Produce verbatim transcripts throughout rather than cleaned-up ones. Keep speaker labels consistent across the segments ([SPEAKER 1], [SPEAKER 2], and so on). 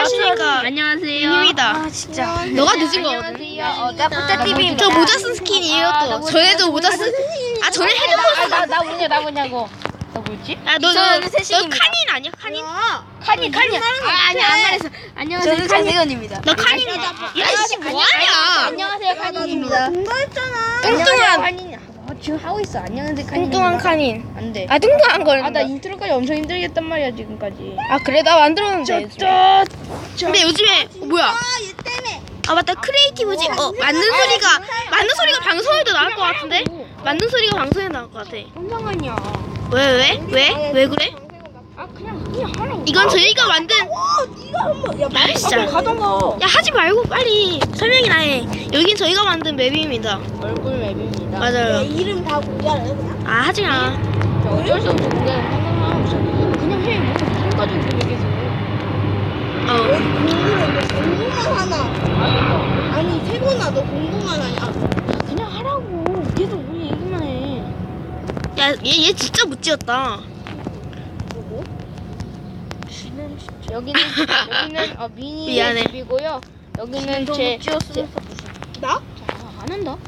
[SPEAKER 1] 왔으니까
[SPEAKER 2] 안녕하세요.
[SPEAKER 1] 입니다.
[SPEAKER 3] 아 진짜.
[SPEAKER 1] 너가 늦은 거거든.
[SPEAKER 2] 안녕하세요. 어, 나부터 티비입니다.
[SPEAKER 1] 저 모자 쓴 스킨이에요 또. 전에도 모자 쓴. 아 전에 헤드폰.
[SPEAKER 2] 나, 나 뭐냐, 나 뭐냐고. 나 뭐지?
[SPEAKER 1] 아너너
[SPEAKER 2] 저는
[SPEAKER 1] 너
[SPEAKER 2] 새신입니다.
[SPEAKER 1] 카닌 아니야? 카닌?
[SPEAKER 2] 칸이, 칸이. 아, 아니, 안 말했어. 안녕하세요.
[SPEAKER 3] 저는 장세건입니다.
[SPEAKER 1] 너 카닌이다. 야이씨 뭐하냐?
[SPEAKER 2] 안녕하세요, 칸인입니다.
[SPEAKER 3] 동거했잖아.
[SPEAKER 1] 뚱뚱한
[SPEAKER 2] 칸이. 어, 지금 하고 있어. 안녕하세요, 칸이.
[SPEAKER 1] 뚱뚱한 카닌.
[SPEAKER 2] 안 돼.
[SPEAKER 1] 아 뚱뚱한 거는.
[SPEAKER 2] 아, 나 인트로까지 엄청 힘들게 했단 말이야, 지금까지.
[SPEAKER 1] 아 그래 나 만들었는데. 요즘에. 근데 요즘에 어, 뭐야?
[SPEAKER 3] 얘 때문에.
[SPEAKER 1] 아 맞다 크리에이티브지. 어 맞는 소리가 맞는 소리가 방송에도 나올 것 같은데? 맞는 소리가 방송에 나올 것 같아.
[SPEAKER 2] 뭔 상관이야.
[SPEAKER 1] 왜 왜? 왜? 왜 그래?
[SPEAKER 2] 아, 그냥, 그냥 하라고.
[SPEAKER 1] 이건 저희가 만든.
[SPEAKER 3] 와, 네가 한번 야 말이
[SPEAKER 1] 진짜.
[SPEAKER 2] 가던가.
[SPEAKER 1] 야 하지 말고 빨리 설명이나 해. 여긴 저희가 만든 맵입니다.
[SPEAKER 2] 얼굴 맵입니다.
[SPEAKER 1] 맞아요.
[SPEAKER 3] 이름 다 공개할래 그냥?
[SPEAKER 1] 아 하지 마.
[SPEAKER 2] 저 어쩔 수 없이 공개하는 상관없어. 그냥 해. 뭐 무슨 가지고 얘기해서.
[SPEAKER 1] 어.
[SPEAKER 3] 공부를 공부만 하나.
[SPEAKER 2] 알았어.
[SPEAKER 3] 아니 세곤아 너 공부만 하냐?
[SPEAKER 2] 그냥 하라고. 계속 우리 얘기만 해.
[SPEAKER 1] 야얘 얘 진짜 못 지었다.
[SPEAKER 3] 뭐고? 쥐는 진짜.
[SPEAKER 2] 여기는 여기는 어, 미니의
[SPEAKER 1] 미안해.
[SPEAKER 2] 집이고요. 여기는 제, 제
[SPEAKER 3] 나?
[SPEAKER 2] 아, 안 한다.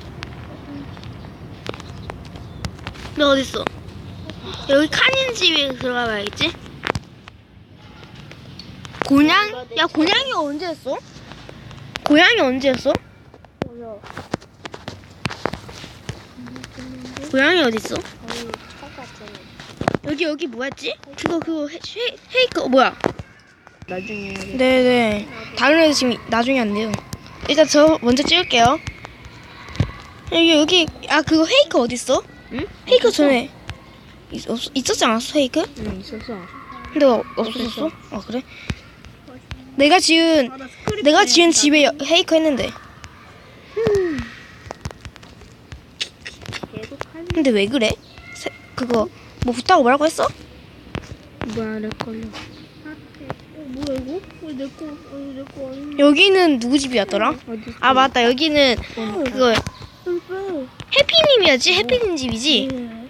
[SPEAKER 1] 너 어딨어? 여기 카닌 집에 들어가 봐야겠지? 고냥? 야 고냥이가 언제 했어? 고양이 언제 했어? 고양이 어딨어? 여기 여기 뭐였지? 그거 그거 헤, 헤, 헤이크 어, 뭐야?
[SPEAKER 2] 나중에
[SPEAKER 1] 네네 다른 애들 지금 나중에 안 돼요. 일단 저 먼저 찍을게요. 여기 여기 아 그거 헤이크 어딨어?
[SPEAKER 2] 응?
[SPEAKER 1] 헤이크 전에 있, 없, 있었지 않았어 헤이크?
[SPEAKER 2] 응 있었어.
[SPEAKER 1] 근데 어, 없어졌어? 아 그래? 내가 지은 내가 지은 집에 여- 헤이크 했는데. 근데 왜 그래? 세, 그거 뭐 붙다고 뭐라고 했어?
[SPEAKER 2] 뭐야 내 걸려.
[SPEAKER 3] 뭐야 이거? 왜내거 왜 내 거 아니야?
[SPEAKER 1] 여기는 누구 집이었더라? 아 맞다 여기는 그거 해피님이었지? 해피님 집이지?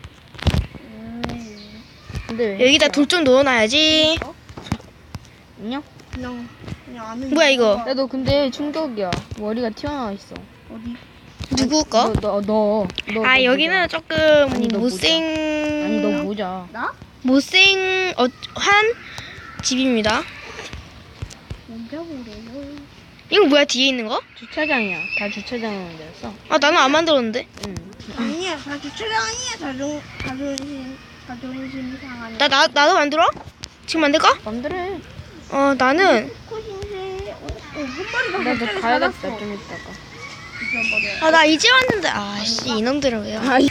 [SPEAKER 2] 근데 왜?
[SPEAKER 1] 여기다 돌 좀 넣어놔야지.
[SPEAKER 2] 안녕?
[SPEAKER 3] 그냥 그냥 아는.
[SPEAKER 1] 뭐야 이거?
[SPEAKER 2] 야너 근데 충격이야. 머리가 튀어나와 있어.
[SPEAKER 3] 어디?
[SPEAKER 1] 누구 거?
[SPEAKER 2] 너 너 너. 너,
[SPEAKER 1] 아
[SPEAKER 2] 너
[SPEAKER 1] 여기는
[SPEAKER 2] 모자.
[SPEAKER 1] 조금
[SPEAKER 2] 아니, 너
[SPEAKER 1] 못생
[SPEAKER 2] 아니 너 모자.
[SPEAKER 3] 나?
[SPEAKER 1] 못생 어, 한 집입니다.
[SPEAKER 3] 뭔가 모르요.
[SPEAKER 1] 이거 뭐야 뒤에 있는 거?
[SPEAKER 2] 주차장이야. 다 주차장으로 만들었어.
[SPEAKER 1] 아 나는 안 만들었는데.
[SPEAKER 2] 응.
[SPEAKER 3] 아니야 다 주차장 아니야 자존 자존심 자존심 상하네.
[SPEAKER 1] 나 나 나도 만들어? 지금 만들까?
[SPEAKER 2] 맘대로 해.
[SPEAKER 1] 어 나는
[SPEAKER 3] 코신세 한 마리가
[SPEAKER 2] 나도
[SPEAKER 3] 갑자기
[SPEAKER 2] 가야겠다
[SPEAKER 3] 살았어.
[SPEAKER 2] 좀 이따가.
[SPEAKER 3] 잊어버려.
[SPEAKER 1] 아 나 이제 왔는데 아씨 이놈들은 왜요?
[SPEAKER 2] 아이.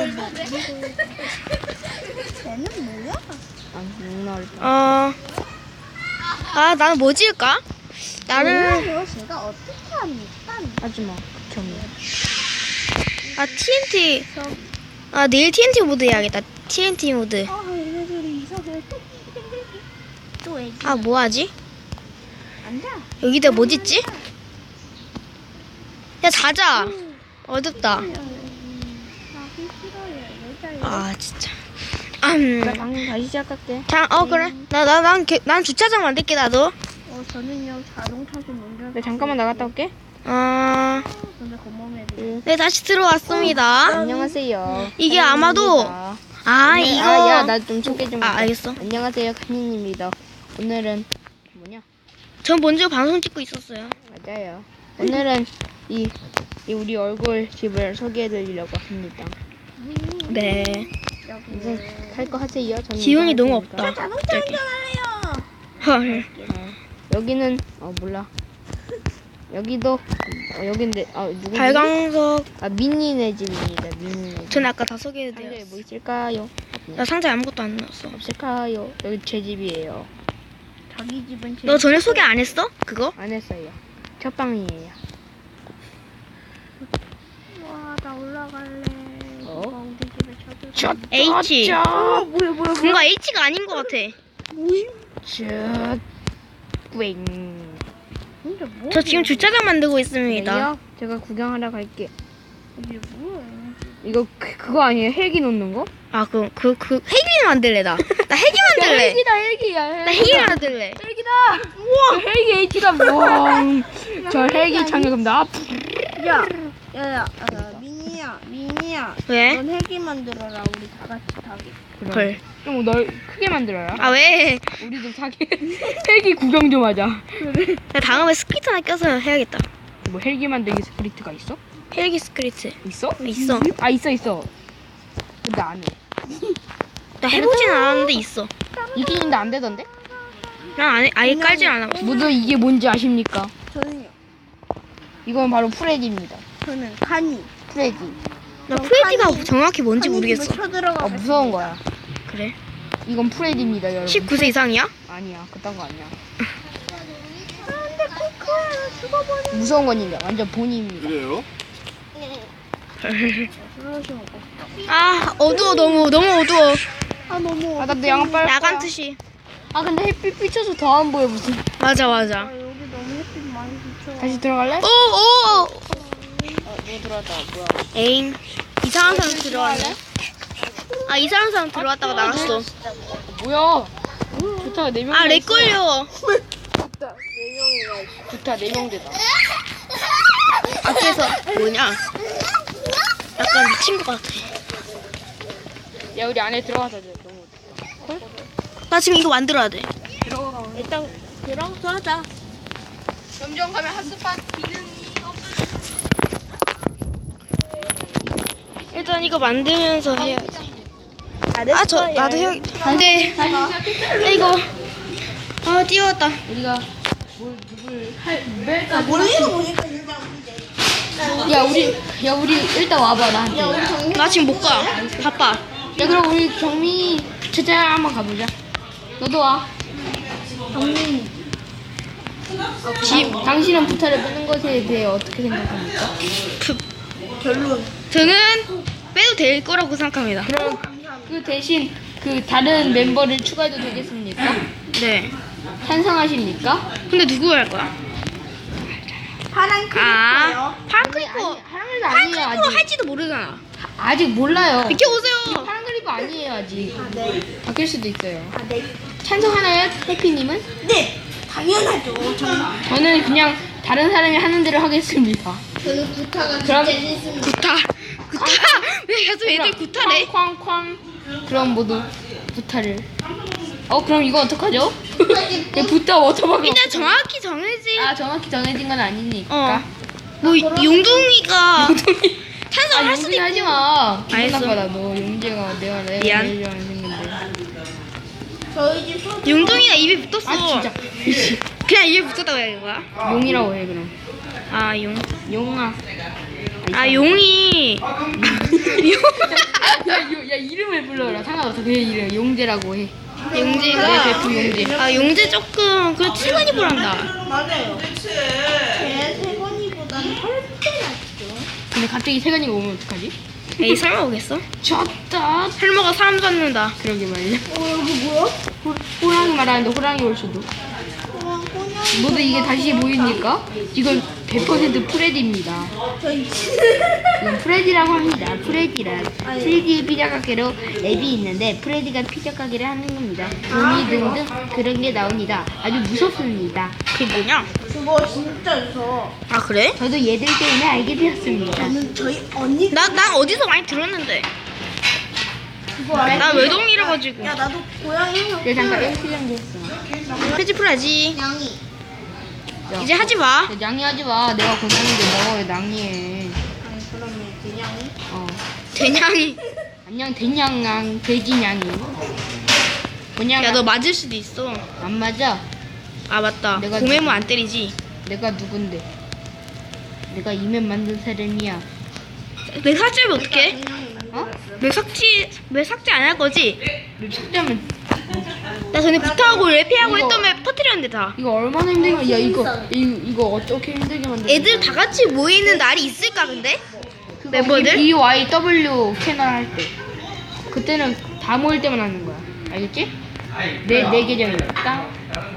[SPEAKER 3] 쟤는 뭐야?
[SPEAKER 2] 아 욕나올 뻔.
[SPEAKER 1] 어. 아 나는 뭐 지을까? 나는
[SPEAKER 3] 뭐야 제가 어떻게 합니까?
[SPEAKER 2] 하지마. 극혐이야.
[SPEAKER 1] 아 티엔티 아 내일 티엔티 모드 해야겠다. 티엔티 모드.
[SPEAKER 3] 아 얘네들이 이상해. 또 애기.
[SPEAKER 1] 아 뭐하지?
[SPEAKER 3] 앉아.
[SPEAKER 1] 여기다 뭐 짓지? 야 자자. 어둡다.
[SPEAKER 3] 하기 싫어요. 여자예요.
[SPEAKER 1] 아 진짜. 음.
[SPEAKER 2] 나 방금 다시 시작할게.
[SPEAKER 1] 자, 어 그래. 나나난 난 주차장 만들게 나도.
[SPEAKER 3] 어 저는요 자동차 좀 운전.
[SPEAKER 2] 네 잠깐만 나갔다 올게.
[SPEAKER 1] 아,
[SPEAKER 3] 근데 고마움에
[SPEAKER 1] 네 다시 들어왔습니다.
[SPEAKER 2] 안녕하세요.
[SPEAKER 1] 이게 아마도
[SPEAKER 2] 칸입니다.
[SPEAKER 1] 아
[SPEAKER 2] 네,
[SPEAKER 1] 이거
[SPEAKER 2] 아, 야, 나 좀 소개 좀.
[SPEAKER 1] 아,
[SPEAKER 2] 할게.
[SPEAKER 1] 알겠어.
[SPEAKER 2] 안녕하세요, 칸입니다. 오늘은 뭐냐?
[SPEAKER 1] 전 먼저 방송 찍고 있었어요.
[SPEAKER 2] 맞아요. 오늘은 이, 이 우리 얼굴 집을 소개해드리려고 합니다.
[SPEAKER 1] 네.
[SPEAKER 2] 이제 할 거 하세요. 저는
[SPEAKER 1] 기운이
[SPEAKER 2] 이거
[SPEAKER 1] 너무
[SPEAKER 2] 할 테니까.
[SPEAKER 1] 없다.
[SPEAKER 3] 자동차 운전할래요.
[SPEAKER 1] 헐.
[SPEAKER 2] 어, 여기는 어 몰라. 여기도 어, 여긴데 아 누구지?
[SPEAKER 1] 발광석.
[SPEAKER 2] 아 미니네 집입니다. 미니네 집.
[SPEAKER 1] 전 아까 다
[SPEAKER 2] 상자에
[SPEAKER 1] 소개해드렸어.
[SPEAKER 2] 뭐 있을까요?
[SPEAKER 1] 나 상자에 아무것도 안 넣었어.
[SPEAKER 2] 없을까요? 여기 제 집이에요.
[SPEAKER 3] 자기 집은 제.
[SPEAKER 1] 너 전에 소개 안 했어? 그거?
[SPEAKER 2] 안 했어요. 첫 방이에요.
[SPEAKER 3] 와나 올라갈래.
[SPEAKER 2] 어?
[SPEAKER 3] 누가 우리 집에 찾아.
[SPEAKER 1] H.
[SPEAKER 3] 아 뭐야 뭐야 뭐야.
[SPEAKER 1] 뭔가 H가 아닌 것 같아.
[SPEAKER 2] 저 뿌잉.
[SPEAKER 3] 근데 뭐?
[SPEAKER 1] 저 지금 주차장 만들고 있습니다.
[SPEAKER 2] 네요? 제가 구경하러 갈게.
[SPEAKER 3] 이게 뭐야?
[SPEAKER 2] 이거 그, 그거 아니에요? 헬기 놓는 거?
[SPEAKER 1] 아, 그, 그, 그, 헬기 만들래, 나. 나 헬기 만들래.
[SPEAKER 2] 헬기다 헬기야.
[SPEAKER 1] 나 헬기 만들래.
[SPEAKER 2] 헬기다. 우와 헬기 에이티다. 와저 헬기 착륙합니다.
[SPEAKER 3] 야, 야, 야, 야, 미니야, 미니야.
[SPEAKER 1] 왜?
[SPEAKER 3] 넌 헬기 만들어라. 우리 다 같이 타게.
[SPEAKER 1] 헐.
[SPEAKER 2] 좀널 크게 만들어라.
[SPEAKER 1] 아 왜?
[SPEAKER 2] 우리도 타게. 헬기 구경 좀 하자.
[SPEAKER 1] 나 다음에 스크리트 하나 껴서 해야겠다.
[SPEAKER 2] 뭐 헬기 만들기 스크립트가 있어?
[SPEAKER 1] 헬기 스크리트.
[SPEAKER 2] 있어?
[SPEAKER 1] 있어.
[SPEAKER 2] 아 있어 있어. 근데 안 해.
[SPEAKER 1] 나 해보진 않았는데 있어.
[SPEAKER 2] 있긴 있는데 안 되던데?
[SPEAKER 1] 난 아예, 아예 깔진 않아봤어.
[SPEAKER 2] 모두 이게 뭔지 아십니까?
[SPEAKER 3] 저는요.
[SPEAKER 2] 이건 바로 프레디입니다.
[SPEAKER 3] 저는 칸이.
[SPEAKER 2] 프레디.
[SPEAKER 1] 나 프레디가 정확히 뭔지
[SPEAKER 3] 칸이
[SPEAKER 1] 모르겠어.
[SPEAKER 3] 집에 쳐들어가.
[SPEAKER 2] 어 무서운 거야.
[SPEAKER 1] 그래?
[SPEAKER 2] 이건 프레디입니다 여러분.
[SPEAKER 1] 십구 세 이상이야?
[SPEAKER 2] 아니야 그딴 거 아니야.
[SPEAKER 3] 안돼 코코야 죽어버려.
[SPEAKER 2] 무서운 건 이제 완전 본입니다.
[SPEAKER 4] 그래요?
[SPEAKER 1] 아 어두워 너무 너무 어두워.
[SPEAKER 3] 아 너무.
[SPEAKER 2] 아 나도 양아 빨
[SPEAKER 1] 야간
[SPEAKER 2] 거야.
[SPEAKER 1] 투시.
[SPEAKER 2] 아 근데 햇빛 비춰서 더 안 보여 무슨.
[SPEAKER 1] 맞아 맞아.
[SPEAKER 3] 아, 여기 너무 햇빛 많이 비쳐.
[SPEAKER 2] 다시 들어갈래?
[SPEAKER 1] 오오.
[SPEAKER 2] 어, 뭐 들어왔다 뭐야?
[SPEAKER 1] 에잉 이상한 사람 들어왔네. 아 이상한 사람 들어왔다가 나갔어.
[SPEAKER 2] 뭐야? 좋다 네 명.
[SPEAKER 1] 아 렉 걸려.
[SPEAKER 2] 좋다 네 명 되다.
[SPEAKER 1] 앞에서 뭐냐? 약간 미친 것 같아.
[SPEAKER 2] 야 우리 안에 들어가자 이제 너무.
[SPEAKER 1] 나 지금 이거 만들어야 돼.
[SPEAKER 3] 일단 들어가서 하자.
[SPEAKER 2] 점점 가면 핫스팟 기능이
[SPEAKER 1] 일단 이거 만들면서 해야지. 아 저 나도 해야. 근데 이거 아 띄웠다.
[SPEAKER 2] 우리가 뭘 누굴 할 멜까?
[SPEAKER 3] 모르는 보니까 진짜 웃기네.
[SPEAKER 2] 야 우리 야 우리 일단 와봐 나한테.
[SPEAKER 1] 나 지금 못 가. 바빠.
[SPEAKER 2] 야 그럼 우리 경미 주차 한번 가보자. 너도 와.
[SPEAKER 1] 집
[SPEAKER 2] 당신은 부타를 빼는 것에 대해 어떻게 생각합니까?
[SPEAKER 1] 그, 결론. 저는 빼도 될 거라고 생각합니다.
[SPEAKER 2] 그럼 그 대신 그 다른 멤버를 추가해도 되겠습니까?
[SPEAKER 1] 네.
[SPEAKER 2] 찬성하십니까?
[SPEAKER 1] 근데 누구 할 거야?
[SPEAKER 3] 파란
[SPEAKER 1] 아,
[SPEAKER 3] 크리퍼요.
[SPEAKER 1] 파란 크리퍼.
[SPEAKER 2] 하랑을
[SPEAKER 1] 파란
[SPEAKER 2] 아니에요
[SPEAKER 1] 크리퍼
[SPEAKER 2] 아직.
[SPEAKER 1] 할지도 모르잖아.
[SPEAKER 2] 아직 몰라요.
[SPEAKER 1] 비켜보세요.
[SPEAKER 2] 파란 그리프 아니에요 아직.
[SPEAKER 3] 아 네.
[SPEAKER 2] 바뀔 수도 있어요.
[SPEAKER 3] 아 네.
[SPEAKER 2] 찬성하나요 해피님은?
[SPEAKER 3] 네. 당연하죠. 정말.
[SPEAKER 2] 저는 그냥 다른 사람이 하는 대로 하겠습니다.
[SPEAKER 3] 저는 구타가
[SPEAKER 2] 그럼
[SPEAKER 1] 구타. 구타. 왜 계속 애들 구타래?
[SPEAKER 2] 쾅쾅쾅. 그럼 모두 부타를. 어 그럼 이거 어떡하죠? 야, 부타 워터박을.
[SPEAKER 1] 일단 정확히 정해지.
[SPEAKER 2] 아 정확히 정해진 건 아니니까.
[SPEAKER 1] 어. 뭐 용둥이가 찬성할
[SPEAKER 2] 아
[SPEAKER 1] 수도
[SPEAKER 2] 용재
[SPEAKER 1] 있고.
[SPEAKER 2] 하지 마. 기분
[SPEAKER 1] 알겠어.
[SPEAKER 2] 나빠다 너 용재가 내가 내가
[SPEAKER 1] 미안.
[SPEAKER 2] 제일 좋아하는 생긴데.
[SPEAKER 3] 저희 집 소.
[SPEAKER 1] 용둥이가 입에 붙었어.
[SPEAKER 2] 아 진짜.
[SPEAKER 1] 그냥 입에 붙었다고 해야 되는 거야?
[SPEAKER 2] 용이라고 해 그럼.
[SPEAKER 1] 아 용.
[SPEAKER 2] 용아.
[SPEAKER 1] 아 용이.
[SPEAKER 2] 야, 야, 야 이름을 불러라. 상관없어. 그 이름 용재라고 해.
[SPEAKER 1] 용재가.
[SPEAKER 2] 네, 대표 용재.
[SPEAKER 1] 아 용재 조금 그 칠번이 보란다.
[SPEAKER 3] 맞아요. 제 세건이보다는 훨씬 낫죠.
[SPEAKER 2] 근데 갑자기 세간이가 오면 어떡하지?
[SPEAKER 1] 에이 설마 오겠어?
[SPEAKER 2] 졌다.
[SPEAKER 1] 설마가 사람 잡는다.
[SPEAKER 2] 그러게 말이야.
[SPEAKER 3] 어 여기 뭐야?
[SPEAKER 2] 호, 호랑이 말하는데 호랑이 올 수도.
[SPEAKER 3] 그냥 그냥.
[SPEAKER 2] 모두 이게 다시 보입니까? 이건 백 퍼센트 프레디입니다.
[SPEAKER 3] 저희
[SPEAKER 2] 이건 프레디라고 합니다. 프레디란 쓰리디 피자 가게로 앱이 있는데 프레디가 피자 가게를 하는 겁니다. 돈이 등등 그런 게 나옵니다. 아주 무섭습니다.
[SPEAKER 1] 그게 뭐냐?
[SPEAKER 3] 그거 진짜 무서워.
[SPEAKER 1] 아 그래?
[SPEAKER 2] 저도 얘들 때문에 알게 되었습니다.
[SPEAKER 3] 저는 저희 언니.
[SPEAKER 1] 나 난 어디서 많이 들었는데.
[SPEAKER 3] 그거 알지?
[SPEAKER 1] 나 외동이라 가지고.
[SPEAKER 3] 야 나도 고양이 형.
[SPEAKER 2] 그래 잠깐 일 시간 됐어.
[SPEAKER 1] 페이지 풀어야지.
[SPEAKER 3] 양이.
[SPEAKER 2] 야,
[SPEAKER 1] 이제 하지 마.
[SPEAKER 2] 야, 냥이하지 마. 내가 고생인데 너 왜 낭이해.
[SPEAKER 3] 아니 그러면 그냥이.
[SPEAKER 2] 어.
[SPEAKER 1] 대냥이.
[SPEAKER 2] 안녕 대냥양 돼지냥이. 그냥
[SPEAKER 1] 야 너 맞을 수도 있어.
[SPEAKER 2] 안 맞아.
[SPEAKER 1] 아 맞다.
[SPEAKER 2] 내가
[SPEAKER 1] 공해무 안 때리지.
[SPEAKER 2] 내가 누군데? 내가 이면 만든 사람이야.
[SPEAKER 1] 내 삭제하면 어떡해?
[SPEAKER 2] 어?
[SPEAKER 1] 내 삭제 왜 삭제 안 할 거지?
[SPEAKER 2] 너 삭제하면
[SPEAKER 1] 나 전에 부탁하고 랩피하고
[SPEAKER 2] 이거-
[SPEAKER 1] 했더니 퍼뜨렸는데 다.
[SPEAKER 2] 이거 얼마나 힘들게 야 이거 이거, 이거 어떻게 힘들게 만들?
[SPEAKER 1] 애들 다 같이 모이는 날이 있을까 근데? 멤버들?
[SPEAKER 2] B Y W 채널 할 때. 그때는 다 모일 때만 하는 거야. 알겠지? 내 내 계정이다.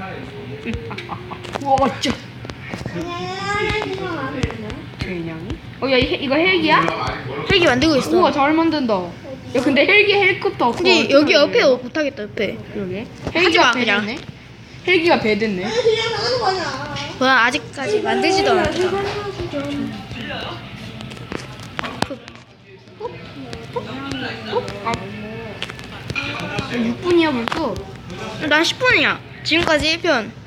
[SPEAKER 2] 와, 짜. 그냥이? 어, 야, 이, 헬- 이거 헬기야?
[SPEAKER 1] 헬기 만들고 있어.
[SPEAKER 2] 우와, 잘 만든다. 야, 근데 헬기 헬컵도 없고.
[SPEAKER 1] 근데 여기 옆에 어- 못하겠다 옆에.
[SPEAKER 2] 그러게.
[SPEAKER 1] 하지
[SPEAKER 2] 헬기가
[SPEAKER 1] 마, 그냥.
[SPEAKER 2] 배려네. 헬기가 배 됐네.
[SPEAKER 3] 그냥 나가는 거 아니야.
[SPEAKER 1] 뭐야 아직까지 만들지도 않았다.
[SPEAKER 2] 육 분이야 벌써.
[SPEAKER 1] 난 십 분이야. 지금까지 일 편.